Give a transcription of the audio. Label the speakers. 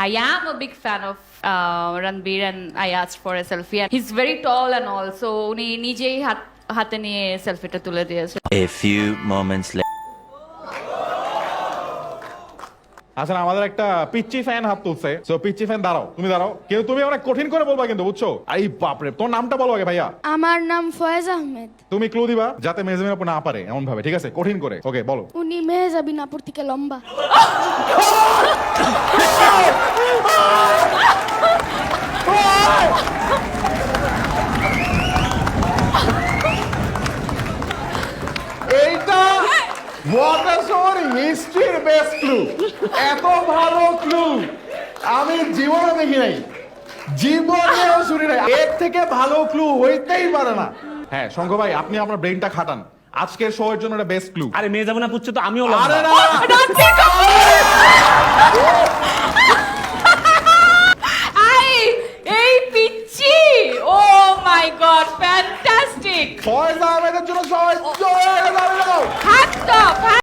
Speaker 1: I am a big fan of Ranbir and I asked for a selfie. And he's very tall and all, so উনি নিজেই হাতে নিয়ে সেলফিটা তুলে দিয়েছে।
Speaker 2: A few moments later.
Speaker 3: আচ্ছা আমাদের একটা পিচ্চি ফ্যান হাত তুলছে, সো পিচ্চি ফ্যান দাঁড়াও, তুমি দাঁড়াও, কিন্তু তুমি অনেক কঠিন করে বলবা কিন্তু, বুঝছো? এই বাপরে, তোর নামটা বলো আগে ভাইয়া।
Speaker 4: আমার নাম ফয়েজ আহমেদ।
Speaker 3: তুমি ক্লু দিবা যাতে মেহজাবিন আপু না পারে এমন ভাবে, ঠিক আছে? কঠিন করে, ওকে বলো।
Speaker 4: উনি মেহজাবিন আপুর থেকে লম্বা।
Speaker 3: এইটা ওয়াটারসোর হিস্ট্রির বেস্ট ক্লু। এত ভালো ক্লু আমি জীবনে দেখি নাই, জীবনেও শুনি নাই। এর থেকে ভালো ক্লু হইতেই পারে না। হ্যাঁ শঙ্খ ভাই, আপনি আপনার ব্রেইনটা খাটান, আজকের শো এর জন্য এটা বেস্ট ক্লু।
Speaker 5: আরে মেয়ে যাবে না পুচ্ছে তো আমিও
Speaker 3: আরে
Speaker 5: লম্বা।
Speaker 3: না,
Speaker 1: এই পিচ্চি, oh my god, fantastic.
Speaker 3: Faiz আহমেদের জন্য সবাই জোরে দাঁড়িয়ে যাও।
Speaker 1: Hats of.